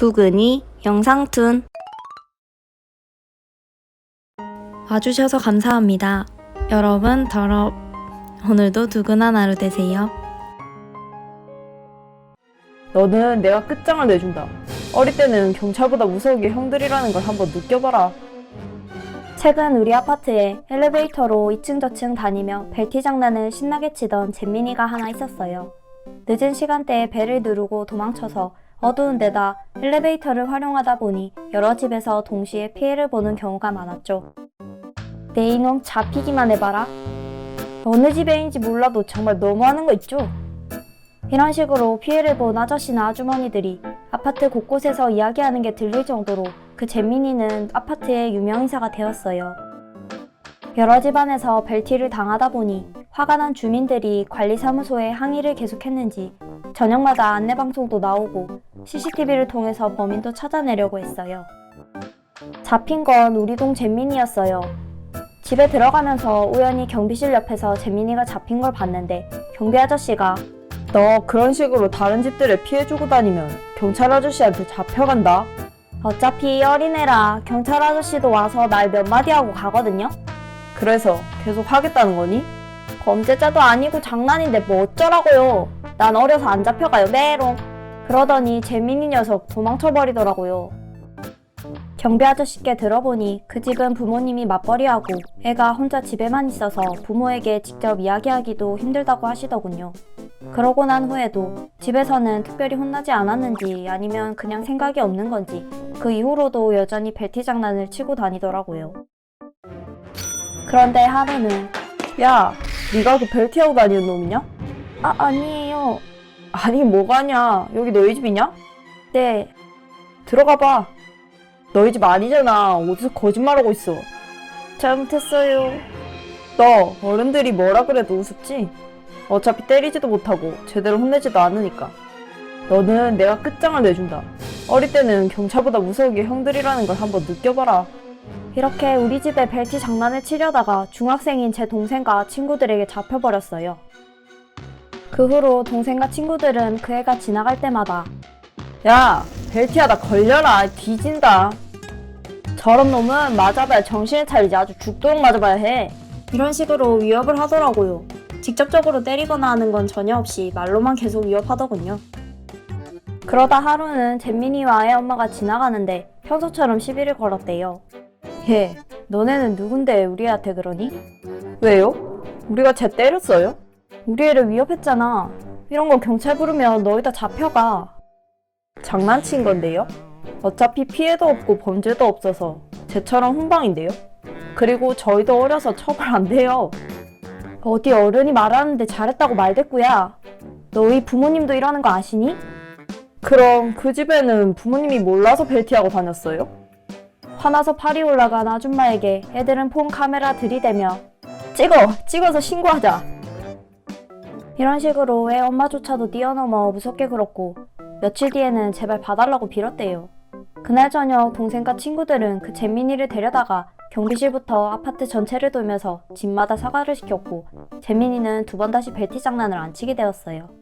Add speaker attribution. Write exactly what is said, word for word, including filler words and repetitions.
Speaker 1: 두근이 영상툰 와주셔서 감사합니다. 여러분 더럽 오늘도 두근한 하루 되세요.
Speaker 2: 너는 내가 끝장을 내준다. 어릴 때는 경찰보다 무서운 게 형들이라는 걸 한번 느껴봐라.
Speaker 3: 최근 우리 아파트에 엘리베이터로 이층 저층 다니며 벨티 장난을 신나게 치던 잼민이가 하나 있었어요. 늦은 시간대에 벨을 누르고 도망쳐서 어두운 데다 엘리베이터를 활용하다 보니 여러 집에서 동시에 피해를 보는 경우가 많았죠. 내 이놈 잡히기만 해봐라. 어느 집에인지 몰라도 정말 너무하는 거 있죠? 이런 식으로 피해를 본 아저씨나 아주머니들이 아파트 곳곳에서 이야기하는 게 들릴 정도로 그 잼민이는 아파트의 유명인사가 되었어요. 여러 집안에서 벨티를 당하다 보니 화가 난 주민들이 관리사무소에 항의를 계속했는지 저녁마다 안내방송도 나오고 씨씨티비를 통해서 범인도 찾아내려고 했어요. 잡힌 건 우리 동 잼민이였어요. 집에 들어가면서 우연히 경비실 옆에서 잼민이가 잡힌 걸 봤는데 경비 아저씨가
Speaker 2: 너 그런 식으로 다른 집들에 피해 주고 다니면 경찰 아저씨한테 잡혀간다.
Speaker 3: 어차피 어린애라 경찰 아저씨도 와서 말 몇 마디 하고 가거든요.
Speaker 2: 그래서 계속 하겠다는 거니?
Speaker 3: 범죄자도 아니고 장난인데 뭐 어쩌라고요. 난 어려서 안 잡혀가요 메롱. 그러더니 재민이 녀석 도망쳐버리더라고요. 경비 아저씨께 들어보니 그 집은 부모님이 맞벌이하고 애가 혼자 집에만 있어서 부모에게 직접 이야기하기도 힘들다고 하시더군요. 그러고 난 후에도 집에서는 특별히 혼나지 않았는지 아니면 그냥 생각이 없는 건지 그 이후로도 여전히 벨티 장난을 치고 다니더라고요. 그런데 하루는
Speaker 2: 야, 네가 그 벨티하고 다니는 놈이냐?
Speaker 3: 아 아니에요.
Speaker 2: 아니 뭐가냐? 여기 너희 집이냐?
Speaker 3: 네.
Speaker 2: 들어가봐. 너희 집 아니잖아. 어디서 거짓말하고 있어.
Speaker 3: 잘못했어요.
Speaker 2: 너 어른들이 뭐라 그래도 우습지? 어차피 때리지도 못하고 제대로 혼내지도 않으니까. 너는 내가 끝장을 내준다. 어릴 때는 경찰보다 무서운 게 형들이라는 걸 한번 느껴봐라.
Speaker 3: 이렇게 우리 집에 벨티 장난을 치려다가 중학생인 제 동생과 친구들에게 잡혀버렸어요. 그 후로 동생과 친구들은 그 애가 지나갈 때마다
Speaker 2: 야, 벨티하다 걸려라. 뒤진다. 저런 놈은 맞아봐야 정신을 차리지 아주 죽도록 맞아봐야 해.
Speaker 3: 이런 식으로 위협을 하더라고요. 직접적으로 때리거나 하는 건 전혀 없이 말로만 계속 위협하더군요. 그러다 하루는 잼민이와 애 엄마가 지나가는데 평소처럼 시비를 걸었대요.
Speaker 2: 얘, 너네는 누군데 우리 애한테 그러니? 왜요? 우리가 쟤 때렸어요?
Speaker 3: 우리 애를 위협했잖아. 이런 거 경찰 부르면 너희 다 잡혀가.
Speaker 2: 장난친 건데요? 어차피 피해도 없고 범죄도 없어서 쟤처럼 훈방인데요? 그리고 저희도 어려서 처벌 안 돼요.
Speaker 3: 어디 어른이 말하는데 잘했다고 말대꾸야. 너희 부모님도 이러는 거 아시니?
Speaker 2: 그럼 그 집에는 부모님이 몰라서 벨티하고 다녔어요?
Speaker 3: 화나서 팔이 올라간 아줌마에게 애들은 폰 카메라 들이대며
Speaker 2: 찍어! 찍어서 신고하자!
Speaker 3: 이런 식으로 애 엄마조차도 뛰어넘어 무섭게 굴었고 며칠 뒤에는 제발 봐달라고 빌었대요. 그날 저녁 동생과 친구들은 그 잼민이를 데려다가 경비실부터 아파트 전체를 돌면서 집마다 사과를 시켰고 잼민이는 두 번 다시 벨티 장난을 안 치게 되었어요.